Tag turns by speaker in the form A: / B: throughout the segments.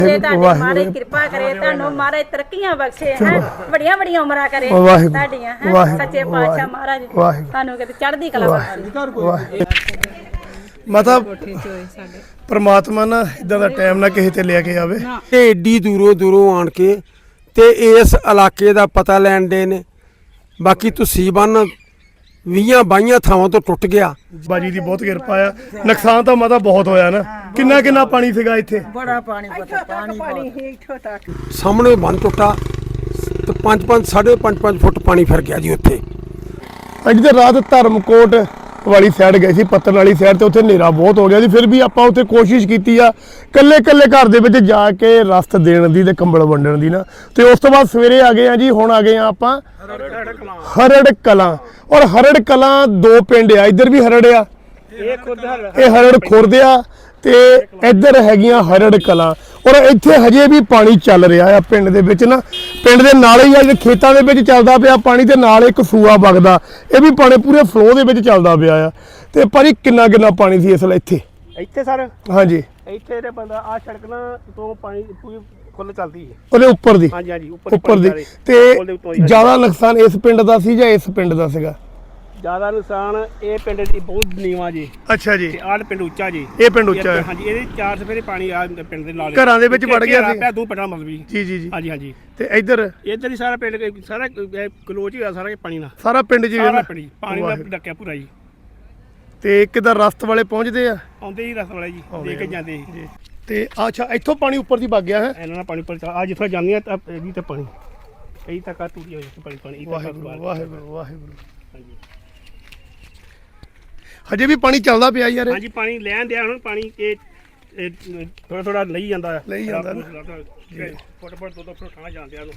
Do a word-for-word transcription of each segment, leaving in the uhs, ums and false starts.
A: ਮਾਰੇ ਕਿਰਪਾ ਕਰੇ ਤੁਹਾਨੂੰ ਮਹਾਰਾਜ ਤਰੱਕੀਆਂ ਬਖਸ਼ੇ ਹੈ ਬੜੀਆਂ ਬੜੀਆਂ ਉਮਰਾਂ ਕਰੇ ਤੁਹਾਡੀਆਂ ਹੈ ਸੱਚੇ ਪਾਤਸ਼ਾਹ ਮਹਾਰਾਜ ਤੁਹਾਨੂੰ ਕਿਤੇ ਚੜ੍ਹਦੀ ਕਲਾ ਬਖਸ਼ੇ।
B: ਮਾਤਾ ਪਰਮਾਤਮਾ ਨਾ ਇਦਾਂ ਦਾ ਟਾਈਮ ਨਾ ਕਿਸੇ ਤੇ ਲੈ ਕੇ ਆਵੇ।
C: ਇਹ ਏਡੀ ਦੂਰੋਂ ਦੂਰੋਂ ਆਣ ਕੇ ਤੇ ਇਸ ਇਲਾਕੇ ਦਾ ਪਤਾ ਲੈਣ ਦੇ ਨੇ। ਬਾਕੀ ਤੁਸੀਂ ਬੰਨ ਵੀਹਾਂ ਬਾਈਆਂ ਥਾਵਾਂ ਤੋਂ ਟੁੱਟ ਗਿਆ।
B: ਬਾਜੀ ਦੀ ਬਹੁਤ ਕਿਰਪਾ ਆ। ਨੁਕਸਾਨ ਤਾਂ ਮਾਤਾ ਬਹੁਤ ਹੋਇਆ ਨਾ। ਕਿੰਨਾ ਕਿੰਨਾ ਪਾਣੀ ਸੀਗਾ ਇੱਥੇ?
D: ਬੜਾ ਪਾਣੀ ਪਾਣੀ ਪਾਣੀ ਇੱਥੋਂ ਤੱਕ
C: ਸਾਹਮਣੇ ਬੰਨ ਟੁੱਟਾ ਤੇ ਪੰਜ ਪੰਜ ਸਾਢੇ ਪੰਜ ਪੰਜ ਫੁੱਟ ਪਾਣੀ ਫਿਰ ਗਿਆ ਜੀ ਉੱਥੇ।
B: ਅੱਜ ਤੇ ਰਾਤ ਧਰਮਕੋਟ ਵਾਲੀ ਸਾਈਡ ਗਏ ਸੀ, ਪੱਤਨ ਵਾਲੀ ਸਾਈਡ ਤੇ ਉੱਥੇ ਹਨੇਰਾ ਬਹੁਤ ਹੋ ਗਿਆ ਸੀ। ਫਿਰ ਵੀ ਆਪਾਂ ਉੱਥੇ ਕੋਸ਼ਿਸ਼ ਕੀਤੀ ਆ ਕੱਲੇ ਕੱਲੇ ਘਰ ਦੇ ਵਿੱਚ ਜਾ ਕੇ ਰਸਤ ਦੇਣ ਦੀ ਤੇ ਕੰਬਲ ਵੰਡਣ ਦੀ ਨਾ। ਤੇ ਉਸ ਤੋਂ ਬਾਅਦ ਸਵੇਰੇ ਆ ਗਏ ਆ ਜੀ। ਹੁਣ ਆ ਗਏ ਆ ਆਪਾਂ ਹਰੜ ਕਲਾਂ। ਔਰ ਹਰੜ ਕਲਾਂ ਦੋ ਪਿੰਡ ਆ, ਇੱਧਰ ਵੀ ਹਰੜ ਆ, ਇਹ ਹਰੜ ਖੁਰਦ ਆ ਤੇ ਇੱਧਰ ਹੈਗੀਆਂ ਹਰੜ ਕਲਾਂ। ਔਰ ਇੱਥੇ ਹਜੇ ਵੀ ਪਾਣੀ ਚੱਲ ਰਿਹਾ ਆ ਪਿੰਡ ਦੇ ਵਿੱਚ ਨਾ। ਪਿੰਡ ਦੇ ਨਾਲ ਹੀ ਆ ਖੇਤਾਂ ਦੇ ਵਿੱਚ ਚੱਲਦਾ ਪਿਆ ਪਾਣੀ ਤੇ ਨਾਲ ਇੱਕ ਸੂਆ ਵਗਦਾ, ਇਹ ਵੀ ਪਾਣੀ ਪੂਰੇ ਫਲੋ ਦੇ ਵਿੱਚ ਚੱਲਦਾ ਪਿਆ ਆ। ਤੇ ਭਾਜੀ ਕਿੰਨਾ ਕਿੰਨਾ ਪਾਣੀ ਸੀ ਇਸ ਵੇਲੇ ਇੱਥੇ?
E: ਇੱਥੇ ਸਰ
B: ਹਾਂਜੀ
E: ਇੱਥੇ ਤੇ ਬੰਦਾ ਆ ਸੜਕਾਂ ਤੋਂ ਪਾਣੀ ਪੂਰੀ ਫੁੱਲ ਚੱਲਦੀ ਹੈ
B: ਉਹਦੇ ਉੱਪਰ ਦੀ।
E: ਹਾਂਜੀ ਹਾਂਜੀ
B: ਉੱਪਰ ਦੀ। ਤੇ ਜ਼ਿਆਦਾ ਨੁਕਸਾਨ ਇਸ ਪਿੰਡ ਦਾ ਸੀ ਜਾਂ ਇਸ ਪਿੰਡ ਦਾ ਸੀਗਾ?
E: ਜ਼ਿਆਦਾ ਨੁਕਸਾਨ ਇਹ ਪਿੰਡ ਦੀ ਬਹੁਤ ਨੀਵਾਂ ਜੀ।
B: ਅੱਛਾ ਜੀ।
E: ਤੇ ਆਹ ਪਿੰਡ ਉੱਚਾ ਜੀ।
B: ਇਹ ਪਿੰਡ ਉੱਚਾ ਹੈ।
E: ਹਾਂਜੀ ਇਹਦੇ ਚਾਰ ਸਫੇਰੇ ਪਾਣੀ ਆ ਪਿੰਡ ਦੇ ਨਾਲ
B: ਘਰਾਂ ਦੇ ਵਿੱਚ ਵੜ ਗਿਆ ਸੀ
E: ਦੋ ਪਿੰਡਾਂ ਮਤਲਬ
B: ਜੀ ਜੀ ਜੀ।
E: ਹਾਂਜੀ ਹਾਂਜੀ।
B: ਤੇ ਇੱਧਰ
E: ਇੱਧਰ ਹੀ ਸਾਰਾ ਪਿੰਡ ਸਾਰਾ ਕਲੋਚ ਹੀ ਹੋਇਆ ਸਾਰਾ ਪਾਣੀ ਨਾਲ।
B: ਸਾਰਾ ਪਿੰਡ ਜੀ
E: ਸਾਰਾ ਪਿੰਡ ਪਾਣੀ ਨਾਲ ਢੱਕਿਆ ਪੂਰਾ ਜੀ।
B: ਤੇ ਕਿੱਦਾਂ ਰਸਤ ਵਾਲੇ ਪਹੁੰਚਦੇ ਆ?
E: ਆਉਂਦੇ ਹੀ ਰਸਤ ਵਾਲੇ ਜੀ ਦੇ ਕੇ ਜਾਂਦੇ ਜੀ।
B: ਤੇ ਅੱਛਾ ਇੱਥੋਂ ਪਾਣੀ ਉੱਪਰ ਦੀ ਵਗ ਗਿਆ ਹੈ?
E: ਇਹਨਾਂ ਨਾਲ ਪਾਣੀ ਉੱਪਰ ਆ ਜਿੱਥੋਂ ਜਾਂਦੀਆਂ ਤਾਂ ਇਹਦੀ ਤੇ ਪਾਣੀ ਇਹੀ ਤੱਕ ਆ ਟੂਟੀ ਹੋਈ ਪਾਣੀ ਪਾਣੀ
B: ਵਾਹਿਗੁਰੂ ਵਾਹਿਗੁਰੂ ਵਾਹਿਗੁਰੂ। ਹਾਂਜੀ ਹਜੇ ਵੀ ਪਾਣੀ ਚੱਲਦਾ ਪਿਆ ਯਾਰ।
E: ਹਾਂਜੀ ਪਾਣੀ ਲੈਣ ਦਿਆ ਹੁਣ ਪਾਣੀ ਇਹ ਥੋੜਾ ਥੋੜਾ ਲਈ ਜਾਂਦਾ ਹੈ
B: ਲਈ ਜਾਂਦਾ
E: ਫੁੱਟ ਫੁੱਟ ਦੋ ਦੋ ਫੁੱਟ ਖਾਣਾ ਜਾਂਦੇ ਆ।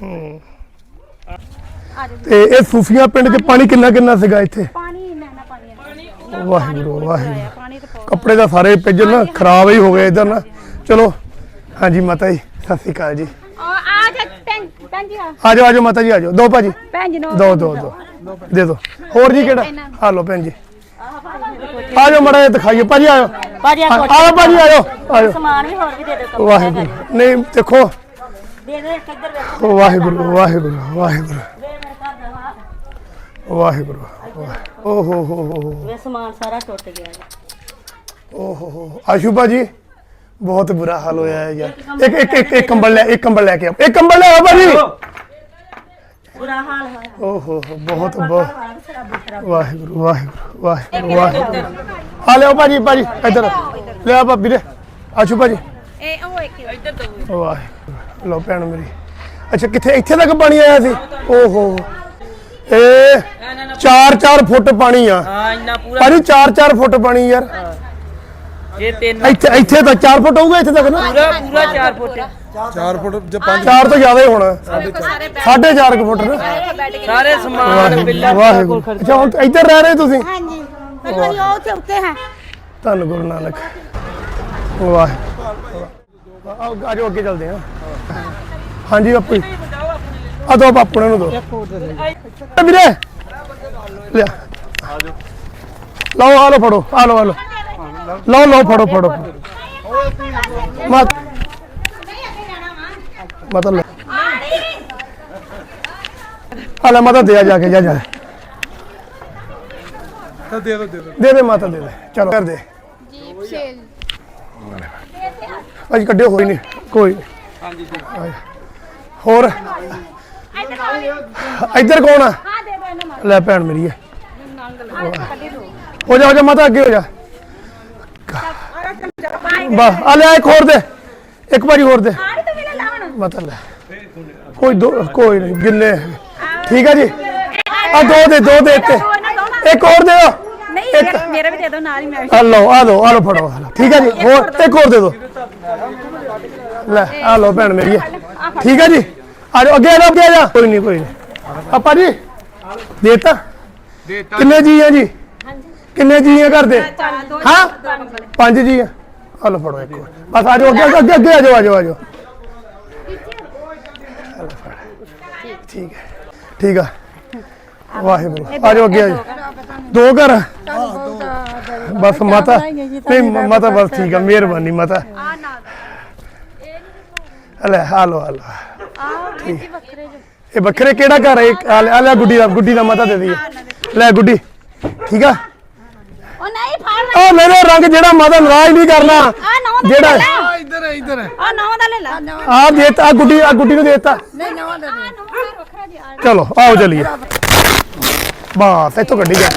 B: ਤੇ ਇਹ ਸੂਫੀਆਂ ਪਿੰਡ 'ਚ ਪਾਣੀ ਕਿੰਨਾ ਕਿੰਨਾ ਸੀਗਾ ਇੱਥੇ?
A: ਪਾਣੀ ਇੰਨਾ ਇੰਨਾ ਪਾਣੀ
B: ਵਾਹਿਗੁਰੂ ਵਾਹਿਗੁਰੂ। ਕੱਪੜੇ ਤਾਂ ਸਾਰੇ ਭਿੱਜੇ ਨਾ, ਖਰਾਬ ਹੀ ਹੋ ਗਏ ਇੱਧਰ ਨਾ। ਚਲੋ ਹਾਂਜੀ ਮਾਤਾ ਜੀ ਸਤਿ ਸ਼੍ਰੀ ਅਕਾਲ ਜੀ।
A: ਆ ਜਾ ਭੈਣ ਜੀ
B: ਆ ਜਾਓ ਆ ਜਾਓ ਮਾਤਾ ਜੀ ਆ ਜਾਓ। ਦੋ ਭਾਜੀ
A: ਭੈਣ ਜੀ ਨੂੰ
B: ਦੋ ਦੋ ਦੋ ਦੇ ਦੋ। ਹੋਰ ਜੀ ਕਿਹੜਾ? ਆ ਲਓ ਭੈਣ ਜੀ ਆ ਜਾਓ ਮੜਾ ਦਿਖਾਈਏ ਭਾਜੀ। ਆਇਓ
D: ਭਾਜੀ
B: ਆਓ ਭਾਜੀ ਆਇਓ ਆਇਓ।
D: ਸਮਾਨ ਵੀ ਹੋਰ ਵੀ ਦੇ ਦਿਓ।
B: ਵਾਹਿਗੁਰੂ ਨਹੀਂ ਦੇਖੋ
D: ਦੇ ਦੇ ਕਿੱਧਰ ਵੇਖ
B: ਵਾਹਿਗੁਰੂ ਵਾਹਿਗੁਰੂ ਵਾਹਿਗੁਰੂ ਵਾਹਿਗੁਰੂ। ਓ ਹੋ ਹੋ ਹੋ
D: ਵੇ ਸਮਾਨ ਸਾਰਾ ਟੁੱਟ ਗਿਆ ਜੀ।
B: ਓ ਹੋ ਹੋ ਆਸ਼ੂ ਭਾਜੀ ਬਹੁਤ ਬੁਰਾ ਹਾਲ ਹੋਇਆ ਹੈ ਯਾਰ। ਇੱਕ ਇੱਕ ਇੱਕ ਇੱਕ ਕੰਬਲ ਲੈ ਇੱਕ ਕੰਬਲ ਲੈ ਕੇ ਆਓ। ਇੱਕ ਕੰਬਲ ਲੈ ਆਓ ਭਾਜੀ।
D: ਬੁਰਾ ਹਾਲ ਹੋਇਆ।
B: ਓ ਹੋ ਹੋ ਬਹੁਤ ਬਹੁਤ ਵਾਹਿਗੁਰੂ ਵਾਹਿਗੁਰੂ ਵਾਹਿਗੁਰੂ ਵਾਹਿਗੁਰੂ। ਆ ਲਿਓ ਭਾਜੀ ਭਾਜੀ ਇੱਧਰ ਲਿਆ ਭਾਬੀ ਦੇ ਆਸ਼ੂ ਭਾਜੀ।
A: ਇਹ ਉਹ ਇੱਕ ਇੱਧਰ ਦੋ
B: ਵਾਹਿਗੁਰੂ ਲਓ ਭੈਣ ਮੇਰੀ। ਅੱਛਾ ਕਿੱਥੇ ਇੱਥੇ ਤੱਕ ਪਾਣੀ ਆਇਆ ਸੀ? ਓ ਹੋ ਇਹ ਚਾਰ ਚਾਰ ਫੁੱਟ ਪਾਣੀ ਆ।
D: ਹਾਂ ਇੰਨਾ ਪੂਰਾ
B: ਭਾਜੀ ਚਾਰ ਚਾਰ ਫੁੱਟ ਪਾਣੀ ਯਾਰ।
D: ਇਹ ਤਿੰਨ
B: ਇੱਥੇ ਇੱਥੇ ਤਾਂ ਚਾਰ ਫੁੱਟ ਹੋਊਗਾ ਇੱਥੇ ਤੱਕ ਨਾ।
D: ਪੂਰਾ ਪੂਰਾ ਚਾਰ ਫੁੱਟ
B: ਚਾਰ ਫੁੱਟ ਜਾਂ ਪੰਜ ਚਾਰ ਤੋਂ ਜ਼ਿਆਦਾ ਹੀ ਹੋਣਾ। ਸਾਢੇ ਚਾਰ ਕੁ ਫੁੱਟ ਨਾ।
D: ਸਾਰੇ ਸਮਾਨ ਬਿੱਲਾ
B: ਵਾਹਿਗੁਰੂ। ਅੱਛਾ ਹੁਣ ਇੱਧਰ ਰਹਿ ਰਹੇ ਤੁਸੀਂ?
A: ਹਾਂਜੀ ਪਹਿਲਾਂ ਹੀ ਉਹ ਤੇ ਉੱਤੇ ਹੈ।
B: ਧੰਨ ਗੁਰੂ ਨਾਨਕ। ਵਾਹਿਗੁਰੂ ਆਓ ਆ ਜਾਓ ਅੱਗੇ ਚੱਲਦੇ ਹਾਂ। ਹਾਂਜੀ ਬਾਪੂ ਆ ਦੋ ਬਾਪੂ ਨੂੰ ਦੋ ਵੀਰੇ ਲਿਆ ਲਓ ਆ ਲਓ ਫੜੋ ਆ ਲਓ ਆ ਲਓ ਲਓ ਲਓ ਫੜੋ ਫੜੋ ਮਤ ਮਤਲਬ ਆ ਲੈ ਮਾਤਾ ਦੇ ਜਾ ਕੇ ਜਾ ਜਾ ਦੇ ਦੇ ਦੇ ਦੇ ਮਾਤਾ ਦੇ ਦੇ ਚਲੋ ਕਰ ਦੇ ਜੀਪ ਸੇਲ ਅੱਜ ਕੱਢਿਓ ਹੋਈ ਨਹੀਂ ਕੋਈ ਹਾਂਜੀ ਹੋਰ ਇੱਧਰ ਕੌਣ ਆ? ਲੈ ਭੈਣ ਮੇਰੀ ਹੈ ਹੋ ਜਾ ਹੋ ਜਾ ਮਾਤਾ ਅੱਗੇ ਹੋ ਜਾ ਬਸ ਆ ਲੈ ਇੱਕ ਹੋਰ ਦੇ ਇੱਕ ਵਾਰੀ ਹੋਰ ਦੇ ਮਾਤਾ ਲੈ ਕੋਈ ਦੋ ਕੋਈ ਨਹੀਂ ਗਿੰਨੇ ਠੀਕ ਹੈ ਜੀ। ਆ ਦੋ ਦੇ ਦੋ ਦੇ ਇੱਥੇ ਇੱਕ ਹੋਰ ਦੇ ਦਿਓ।
A: ਨਹੀਂ ਮੇਰਾ ਵੀ ਦੇ ਦਿਓ ਨਾਲ ਹੀ ਮੈਂ
B: ਆ ਲਓ ਆ ਲਓ ਆ ਲਓ ਫੜੋ ਠੀਕ ਹੈ ਜੀ। ਹੋਰ ਇੱਕ ਹੋਰ ਦੇ ਦਿਓ। ਲੈ ਆ ਲਓ ਭੈਣ ਮੇਰੀ ਹੈ ਠੀਕ ਹੈ ਜੀ। ਆ ਜਾਓ ਅੱਗੇ ਆ ਜਾਓ ਅੱਗੇ ਆ ਜਾ। ਕੋਈ ਨਹੀਂ ਕੋਈ ਨਹੀਂ ਆਪਾ ਜੀ ਦੇਤਾ ਕਿੰਨੇ ਜੀ ਆ ਜੀ? ਕਿੰਨੇ ਜੀ ਆ ਘਰ ਦੇ? ਹਾਂ ਪੰਜ ਜੀ ਆ। ਆ ਲਓ ਫੜੋ ਇੱਕ ਬਸ ਆ ਜਾਓ ਅੱਗੇ ਅੱਗੇ ਅੱਗੇ ਆ ਜਾਓ ਆ ਜਾਓ ਆ ਜਾਓ ਠੀਕ ਹੈ ਠੀਕ ਆ। ਵਾਹਿਗੁਰੂ ਆ ਜਾਓ ਅੱਗੇ ਆ ਜਾਓ। ਦੋ ਘਰ ਬਸ ਮਾਤਾ ਨਹੀਂ ਮਾਤਾ ਬਸ ਠੀਕ ਆ ਮਿਹਰਬਾਨੀ ਮਾਤਾ। ਲੈ ਹਾਲੋ ਹਾਲੋ
A: ਆ ਜੀ ਵੱਖਰੇ ਜੋ
B: ਇਹ ਵੱਖਰੇ ਕਿਹੜਾ ਘਰ ਹੈ ਆ ਲੈ- ਆ ਲੈ ਗੁੱਡੀ ਦਾ ਗੁੱਡੀ ਦਾ ਮਾਤਾ ਦੇ ਦਈਏ ਲੈ ਗੁੱਡੀ ਠੀਕ ਆ
A: ਉਹ ਨਹੀਂ ਫੜ
B: ਉਹ ਮੇਰੇ ਰੰਗ ਜਿਹੜਾ ਮਾਤਾ ਨਾਰਾਜ਼ ਨਹੀਂ ਕਰਨਾ
A: ਆ ਨੌ ਦਾ
B: ਜਿਹੜਾ
A: ਲੈ
C: ਇੱਧਰ ਇੱਧਰ
A: ਆ ਨੌ ਦਾ ਲੈ ਲਾ
B: ਆ ਦੇਤਾ ਆ ਗੁੱਡੀ ਆ ਗੁੱਡੀ ਨੂੰ ਦੇਤਾ
A: ਨਹੀਂ ਨੌ ਦਾ ਵੱਖਰਾ ਜੀ ਆ
B: ਚਲੋ ਆਓ ਚਲੀਏ ਬਸ ਇੱਥੋਂ ਗੱਡੀ ਜਾ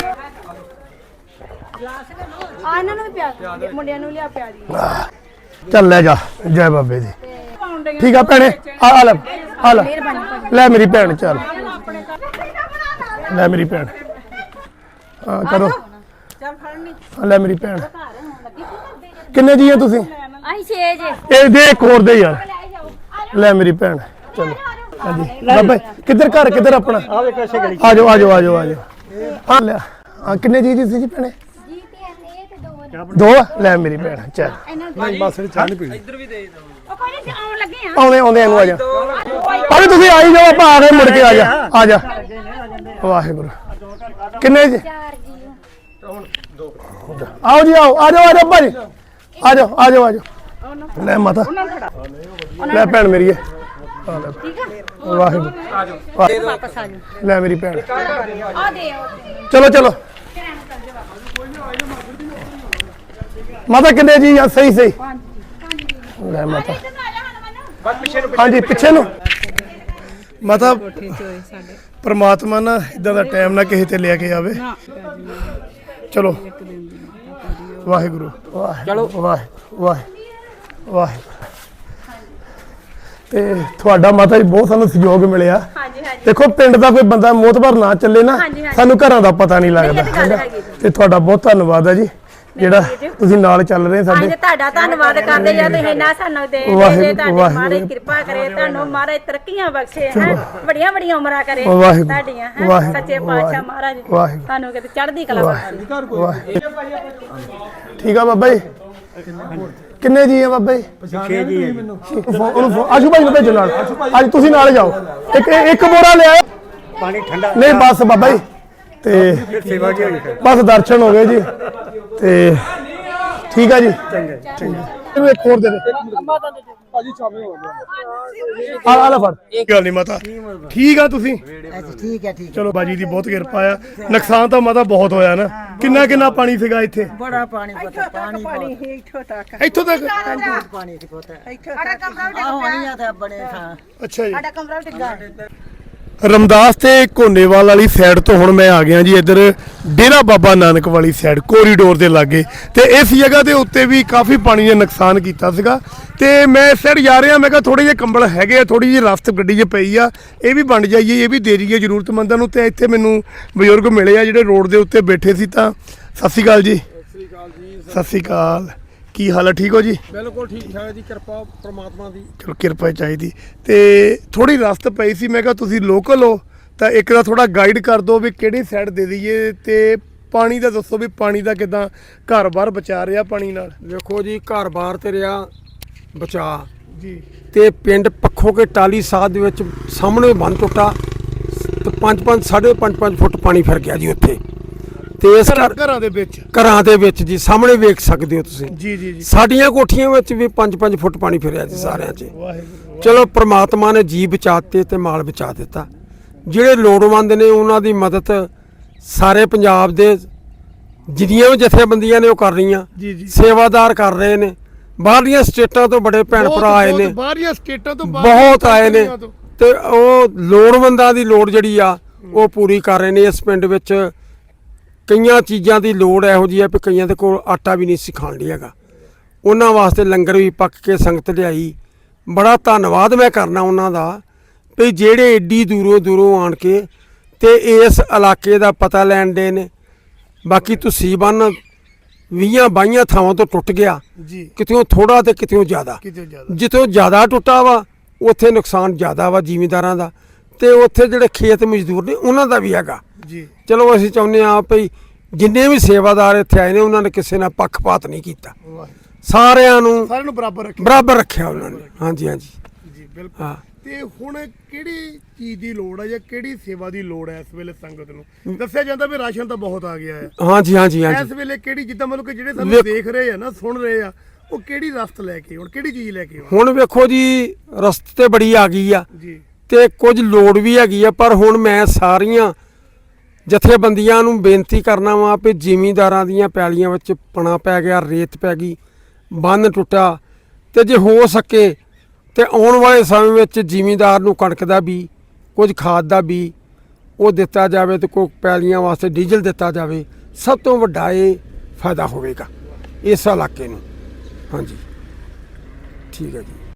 A: ਆ ਇਹਨਾਂ ਨੂੰ ਵੀ ਪਿਆ ਮੁੰਡਿਆਂ ਨੂੰ ਲਿਆ ਪਿਆ ਜੀ
B: ਚੱਲ ਲੈ ਜਾ ਜੈ ਬਾਬੇ ਦੀ ਠੀਕ ਆ ਭੈਣੇ ਆ ਆ ਲੈ ਆ ਲੈ ਲੈ ਮੇਰੀ ਭੈਣ ਚੱਲ ਲੈ ਮੇਰੀ ਭੈਣ ਆ ਕਰੋ
A: ਚੱਲ ਫੜਨੀ
B: ਆ ਲੈ ਮੇਰੀ ਭੈਣ ਕਿੰਨੇ ਜੀ ਆ ਤੁਸੀਂ
A: ਅਸੀਂ ਛੇ ਜੇ
B: ਇਹ ਦੇ ਇੱਕ ਹੋਰ ਦੇ ਯਾਰ ਲੈ ਮੇਰੀ ਭੈਣ ਚਲੋ ਹਾਂਜੀ ਬਾਬਾ ਕਿੱਧਰ ਘਰ ਕਿੱਧਰ ਆਪਣਾ
E: ਆ ਵੇਖੋ ਇਸੇ ਗਲੀ
B: ਆ ਜਾਓ ਆ ਜਾਓ ਆ ਜਾਓ ਆ ਜਾਓ ਆ ਲੈ ਆ ਕਿੰਨੇ ਜੀ ਤੁਸੀਂ ਜੀ ਭੈਣੇ
A: ਜੀ ਤੇ ਇਹ ਤੇ ਦੋ
B: ਦੋ ਆ? ਲੈ ਮੇਰੀ ਭੈਣ ਚੱਲ
C: ਨਹੀਂ ਬਸ ਚਾਹ ਨਹੀਂ ਪੀਣੀ
A: ਉਹ ਕੋਈ ਨਹੀਂ ਆਉਣ ਲੱਗੇ ਆ
B: ਆਉਂਦੇ ਆਉਂਦੇ ਇਹਨੂੰ ਆ ਜਾ ਅਰੇ ਤੁਸੀਂ ਆਈ ਜਾਓ ਆਪਾਂ ਆ ਗਏ ਮੁੜ ਕੇ ਆ ਜਾ ਆ ਜਾ ਵਾਹਿਗੁਰੂ ਕਿੰਨੇ ਜੀ
A: ਚਾਰ ਜੀ
B: ਆਓ ਜੀ ਆਓ ਆ ਜਾਓ ਆ ਜਾਓ ਭਾਜੀ ਆ ਜਾਓ ਆ ਜਾਓ ਆ ਜਾਓ ਲੈ ਮਾਤਾ ਲੈ ਭੈਣ ਮੇਰੀ ਹੈ ਆ ਲੈ ਵਾਹਿਗੁਰੂ
A: ਵਾਪਸ ਆ ਜਾ
B: ਲੈ ਮੇਰੀ ਭੈਣ
A: ਆ ਦੇ ਆਓ
B: ਚਲੋ ਚਲੋ ਮਾਤਾ ਕਿੰਨੇ ਜੀ ਆ ਸਹੀ ਸਹੀ ਲੈ ਮਾਤਾ ਹਾਂਜੀ ਪਿੱਛੇ ਨੂੰ ਮਾਤਾ ਪਰਮਾਤਮਾ ਨਾ ਇਦਾਂ ਦਾ ਟਾਈਮ ਨਾ ਕਿਸੇ ਤੇ ਲੈ ਕੇ ਆਵੇ ਚਲੋ ਵਾਹਿਗੁਰੂ ਚਲੋ ਵਾਹਿ ਵਾਹਿ ਵਾਹਿ ਤੇ ਤੁਹਾਡਾ ਮਾਤਾ ਜੀ ਬਹੁਤ ਸਾਨੂੰ ਸਹਿਯੋਗ ਮਿਲਿਆ
A: ਹਾਂਜੀ ਹਾਂਜੀ
B: ਦੇਖੋ ਪਿੰਡ ਦਾ ਕੋਈ ਬੰਦਾ ਮੋਤਬਰ ਨਾ ਚੱਲੇ ਨਾ
A: ਹਾਂਜੀ, ਹਾਂਜੀ।
B: ਸਾਨੂੰ ਘਰਾਂ ਦਾ ਪਤਾ ਨਹੀਂ ਲੱਗਦਾ
A: ਇਹ ਤਾਂ ਗੱਲ
B: ਹੈਗਾ।
A: ਹੈਗੀ ਜੀ।
B: ਤੇ ਤੁਹਾਡਾ ਬਹੁਤ ਧੰਨਵਾਦ ਹੈ ਜੀ ਜਿਹੜਾ ਤੁਸੀਂ ਨਾਲ ਚੱਲ ਰਹੇ ਸਾਡੇ
A: ਅੱਜ ਤੁਹਾਡਾ ਧੰਨਵਾਦ ਕਰਦੇ ਜਾਂ ਤੁਸੀਂ ਨਾ ਸਾਨੂੰ ਦੇ ਦੇ
B: ਵਾਹਿਗੁਰੂ,
A: ਜੇ ਤੁਹਾਡੀ
B: ਵਾਹਿਗੁਰੂ।
A: ਮਹਾਰਾਜ ਕਿਰਪਾ ਕਰੇ ਤੁਹਾਨੂੰ ਮਹਾਰਾਜ ਤਰੱਕੀਆਂ ਬਖਸ਼ੇ ਹੈ ਵੱਡੀਆਂ ਵੱਡੀਆਂ ਉਮਰਾਂ ਕਰੇ
B: ਵਾਹਿਗੁਰੂ,
A: ਤੁਹਾਡੀਆਂ ਹੈਂ।
B: ਵਾਹਿਗੁਰੂ,
A: ਸੱਚੇ ਪਾਤਸ਼ਾਹ ਮਹਾਰਾਜ
B: ਵਾਹਿਗੁਰੂ।
A: ਤੁਹਾਨੂੰ ਕਿਤੇ ਚੜ੍ਹਦੀ ਕਲਾ ਬਖਸ਼ੇ
B: ਵਾਹ ਠੀਕ ਆ ਬਾਬਾ ਜੀ ਕਿੰਨੇ ਜੀ ਆ ਬਾਬਾ ਜੀ
E: ਛੇ ਜੀ ਹੈ ਜੀ।
B: ਉਹਨੂੰ ਫੋ- ਆਸ਼ੂ ਭਾਈ ਨੂੰ ਭੇਜੋ ਨਾਲ ਅੱਜ ਤੁਸੀਂ ਨਾਲ ਜਾਓ ਇੱਕ ਇੱਕ ਬੋਰਾ ਲਿਆਓ
E: ਪਾਣੀ ਠੰਡਾ
B: ਨਹੀਂ ਬਸ ਬਾਬਾ ਜੀ ਤੇ
E: ਫਿਰ ਸੇਵਾ ਕੀ ਹੋਈ ਫਿਰ
B: ਬਸ ਦਰਸ਼ਨ ਹੋ ਗਏ ਜੀ ਤੇ ਠੀਕ ਆ ਜੀ ਇਹਨੂੰ ਇੱਕ ਹੋਰ ਦੇ ਦੇ
C: ਭਾਜੀ ਚਾਵੇਂ ਹੋ ਗਿਆ
B: ਆ ਆ ਲੈ ਫੜ ਗੱਲ ਨਹੀਂ ਮਾਤਾ ਠੀਕ ਆ ਤੁਸੀਂ
F: ਠੀਕ ਹੈ ਠੀਕ
B: ਚਲੋ ਬਾਜੀ ਦੀ ਬਹੁਤ ਕਿਰਪਾ ਆ ਨੁਕਸਾਨ ਤਾਂ ਮਾਤਾ ਬਹੁਤ ਹੋਇਆ ਨਾ ਕਿੰਨਾ ਕਿੰਨਾ ਪਾਣੀ ਸੀਗਾ ਇੱਥੇ
F: ਬੜਾ ਪਾਣੀ ਪਤਾ ਪਾਣੀ ਪਾਣੀ
B: ਇੱਥੋਂ ਤੱਕ
F: ਪਾਣੀ ਦੀ ਪਤਾ ਆ ਹੋਣੀ ਆ ਤਾਂ ਬਣੇ ਥਾਂ
B: ਅੱਛਾ ਜੀ
A: ਸਾਡਾ ਕਮਰਾ ਟਿੱਗਾ
B: ਰਮਦਾਸ ਤੇ ਕੋਨੇਵਾਲ ਵਾਲੀ ਸਾਈਡ ਤੋਂ ਹੁਣ ਮੈਂ ਆ ਗਿਆ ਜੀ ਇੱਧਰ ਡੇਰਾ ਬਾਬਾ ਨਾਨਕ ਵਾਲੀ ਸਾਈਡ ਕੋਰੀਡੋਰ ਦੇ ਲਾਗੇ ਤੇ ਇਸ ਜਗ੍ਹਾ ਦੇ ਉੱਤੇ ਵੀ ਕਾਫੀ ਪਾਣੀ ਨੇ ਨੁਕਸਾਨ ਕੀਤਾ ਸੀਗਾ ਤੇ ਮੈਂ ਇਸ ਸਾਈਡ ਜਾ ਰਿਹਾ ਮੈਂ ਕਿਹਾ ਥੋੜੇ ਜਿਹੇ ਕੰਬਲ ਹੈਗੇ ਆ ਥੋੜੀ ਜਿਹੀ ਰਸਤ ਗੱਡੀ 'ਚ ਪਈ ਆ ਇਹ ਵੀ ਬਣ ਜਾਈਏ ਇਹ ਵੀ ਦੇ ਜਾਈਏ ਜ਼ਰੂਰਤਮੰਦਾਂ ਨੂੰ ਤੇ ਇੱਥੇ ਮੈਨੂੰ ਬਜ਼ੁਰਗ ਮਿਲੇ ਆ ਜਿਹੜੇ ਰੋਡ ਦੇ ਉੱਤੇ ਬੈਠੇ ਸੀ ਤਾਂ ਸਤਿ ਸ਼੍ਰੀ ਅਕਾਲ ਜੀ ਸਤਿ ਸ਼੍ਰੀ ਅਕਾਲ ਕੀ ਹਾਲ ਹੈ ਠੀਕ ਹੋ ਜੀ
C: ਬਿਲਕੁਲ ਠੀਕ ਠਾਕ ਜੀ ਕਿਰਪਾ ਪ੍ਰਮਾਤਮਾ ਦੀ
B: ਚਲੋ ਕਿਰਪਾ ਚਾਹੀਦੀ ਤੇ ਥੋੜੀ ਰਸਤ ਪਈ ਸੀ ਮੈਂ ਕਿਹਾ ਤੁਸੀਂ ਲੋਕਲ ਹੋ ਤਾਂ ਇੱਕ ਦਾ ਥੋੜਾ ਗਾਈਡ ਕਰ ਦਿਓ ਵੀ ਕਿਹੜੀ ਸਾਈਡ ਦੇ ਦਈਏ ਤੇ ਪਾਣੀ ਦਾ ਦੱਸੋ ਵੀ ਪਾਣੀ ਦਾ ਕਿਦਾਂ ਘਰ-ਬਾਰ ਬਚਾ ਰਿਹਾ ਪਾਣੀ ਨਾਲ
C: ਵੇਖੋ ਜੀ ਘਰ-ਬਾਰ ਤੇ ਰਿਹਾ ਬਚਾ
B: ਜੀ
C: ਤੇ ਪਿੰਡ ਪੱਖੋ ਕੇ ਟਾਲੀ ਸਾਧ ਦੇ ਵਿੱਚ ਸਾਹਮਣੇ ਬੰਨ ਟੁੱਟਾ ਤੇ ਪੰਜ ਪੰਜ ਸਾਢੇ ਪੰਜ ਪੰਜ ਫੁੱਟ ਪਾਣੀ ਫਿਰ ਗਿਆ ਜੀ ਉੱਥੇ ਤੇ ਇਸ ਘਰ
B: ਘਰਾਂ ਦੇ ਵਿੱਚ
C: ਘਰਾਂ ਦੇ ਵਿੱਚ ਜੀ ਸਾਹਮਣੇ ਵੇਖ ਸਕਦੇ ਹੋ ਤੁਸੀਂ
B: ਜੀ ਜੀ ਜੀ
C: ਸਾਡੀਆਂ ਕੋਠੀਆਂ ਵਿੱਚ ਵੀ ਪੰਜ ਪੰਜ ਫੁੱਟ ਪਾਣੀ ਫਿਰਿਆ ਜੀ ਸਾਰਿਆਂ 'ਚ
B: ਵਾਹਿਗੁਰੂ
C: ਚਲੋ ਪ੍ਰਮਾਤਮਾ ਨੇ ਜੀ ਬਚਾਤੇ ਤੇ ਮਾਲ ਬਚਾ ਦਿੱਤਾ ਜਿਹੜੇ ਲੋੜਵੰਦ ਨੇ ਉਹਨਾਂ ਦੀ ਮਦਦ ਸਾਰੇ ਪੰਜਾਬ ਦੇ ਜਿੰਨੀਆਂ ਵੀ ਜਥੇਬੰਦੀਆਂ ਨੇ ਉਹ ਕਰ ਰਹੀਆਂ
B: ਜੀ ਜੀ
C: ਸੇਵਾਦਾਰ ਕਰ ਰਹੇ ਨੇ ਬਾਹਰਲੀਆਂ ਸਟੇਟਾਂ ਤੋਂ ਬੜੇ ਭੈਣ ਭਰਾ ਆਏ ਨੇ
B: ਬਾਹਰੀਆਂ ਸਟੇਟਾਂ ਤੋਂ
C: ਬਹੁਤ ਆਏ ਨੇ ਤੇ ਉਹ ਲੋੜਵੰਦਾਂ ਦੀ ਲੋੜ ਜਿਹੜੀ ਆ ਉਹ ਪੂਰੀ ਕਰ ਰਹੇ ਨੇ ਇਸ ਪਿੰਡ ਵਿੱਚ ਕਈਆਂ ਚੀਜ਼ਾਂ ਦੀ ਲੋੜ ਇਹੋ ਜਿਹੀ ਆ ਵੀ ਕਈਆਂ ਦੇ ਕੋਲ ਆਟਾ ਵੀ ਨਹੀਂ ਸੀ ਖਾਣ ਲਈ ਹੈਗਾ ਉਹਨਾਂ ਵਾਸਤੇ ਲੰਗਰ ਵੀ ਪੱਕ ਕੇ ਸੰਗਤ ਲਿਆਈ ਬੜਾ ਧੰਨਵਾਦ ਮੈਂ ਕਰਨਾ ਉਹਨਾਂ ਦਾ ਵੀ ਜਿਹੜੇ ਏਡੀ ਦੂਰੋਂ ਦੂਰੋਂ ਆਣ ਕੇ ਤੇ ਇਸ ਇਲਾਕੇ ਦਾ ਪਤਾ ਲੈਣ ਦੇ ਨੇ ਬਾਕੀ ਤੁਸੀਂ ਬੰਨ ਵੀਹਾਂ ਬਾਈਆਂ ਥਾਵਾਂ ਤੋਂ ਟੁੱਟ ਗਿਆ
B: ਜੀ
C: ਕਿਤਿਓਂ ਥੋੜਾ ਤੇ ਕਿਤਿਓਂ ਜ਼ਿਆਦਾ
B: ਕਿਤੇ ਜ਼ਿਆਦਾ
C: ਜਿੱਥੋਂ ਜ਼ਿਆਦਾ ਟੁੱਟਾ ਵਾ ਉੱਥੇ ਨੁਕਸਾਨ ਜ਼ਿਆਦਾ ਵਾ ਜ਼ਿਮੀਂਦਾਰਾਂ ਦਾ ਤੇ ਉੱਥੇ ਜਿਹੜੇ ਖੇਤ ਮਜ਼ਦੂਰ ਨੇ ਉਹਨਾਂ ਦਾ ਵੀ ਹੈਗਾ
B: ਜੀ
C: ਚਲੋ ਅਸੀਂ ਚਾਹੁੰਦੇ ਹਾਂ ਭਈ ਜਿੰਨੇ ਵੀ ਸੇਵਾਦਾਰ ਇੱਥੇ ਆਏ ਨੇ ਉਹਨਾਂ ਨੇ ਕਿਸੇ ਨਾਲ ਪੱਖਪਾਤ ਨਹੀਂ ਕੀਤਾ ਸਾਰਿਆਂ ਨੂੰ
B: ਸਾਰਿਆਂ ਨੂੰ ਬਰਾਬਰ ਰੱਖਿਆ
C: ਬਰਾਬਰ ਰੱਖਿਆ ਉਹਨਾਂ ਨੇ ਹਾਂਜੀ ਹਾਂਜੀ
B: ਜੀ ਬਿਲਕੁਲ
C: ਹਾਂ
B: ਤੇ ਹੁਣ ਕਿਹੜੀ ਚੀਜ਼ ਦੀ ਲੋੜ ਹੈ ਜਾਂ ਕਿਹੜੀ ਸੇਵਾ ਦੀ ਲੋੜ ਹੈ ਇਸ ਵੇਲੇ ਸੰਗਤ ਨੂੰ ਦੱਸਿਆ ਜਾਂਦਾ ਵੀ ਰਾਸ਼ਨ ਤਾਂ ਬਹੁਤ ਆ ਗਿਆ ਹੈ
C: ਹਾਂਜੀ ਹਾਂਜੀ
B: ਇਸ
C: ਹਾਂਜੀ
B: ਵੇਲੇ ਕਿਹੜੀ ਜਿੱਦਾਂ ਮਤਲਬ ਕਿ ਜਿਹੜੇ ਸਾਨੂੰ
C: ਵੇਖ-
B: ਦੇਖ ਰਹੇ ਆ ਨਾ ਸੁਣ ਰਹੇ ਆ ਉਹ ਕਿਹੜੀ ਰਸਤ ਲੈ ਕੇ ਹੁਣ ਕਿਹੜੀ ਚੀਜ਼ ਲੈ ਕੇ ਆਉਣ?
C: ਹੁਣ ਵੇਖੋ ਜੀ ਰਸਤੇ ਤੇ ਬੜੀ ਆ ਗਈ ਆ
B: ਜੀ
C: ਤੇ ਕੁਝ ਲੋੜ ਵੀ ਹੈਗੀ ਆ, ਪਰ ਹੁਣ ਮੈਂ ਸਾਰੀਆਂ ਜਥੇਬੰਦੀਆਂ ਨੂੰ ਬੇਨਤੀ ਕਰਨਾ ਵਾ ਵੀ ਜ਼ਿਮੀਂਦਾਰਾਂ ਦੀਆਂ ਪੈਲੀਆਂ ਵਿੱਚ ਪਣਾ ਪੈ ਗਿਆ, ਰੇਤ ਪੈ ਗਈ, ਬੰਨ ਟੁੱਟਾ, ਤੇ ਜੇ ਹੋ ਸਕੇ ਤੇ ਆਉਣ ਵਾਲੇ ਸਮੇਂ ਵਿੱਚ ਜ਼ਿਮੀਂਦਾਰ ਨੂੰ ਕਣਕ ਦਾ ਵੀ ਕੁਝ ਖਾਦ ਦਾ ਵੀ ਉਹ ਦਿੱਤਾ ਜਾਵੇ ਤੇ ਕੋਈ ਪੈਲੀਆਂ ਵਾਸਤੇ ਡੀਜ਼ਲ ਦਿੱਤਾ ਜਾਵੇ। ਸਭ ਤੋਂ ਵੱਡਾ ਇਹ ਫਾਇਦਾ ਹੋਵੇਗਾ ਇਸ ਇਲਾਕੇ ਨੂੰ। ਹਾਂਜੀ ਠੀਕ ਹੈ ਜੀ।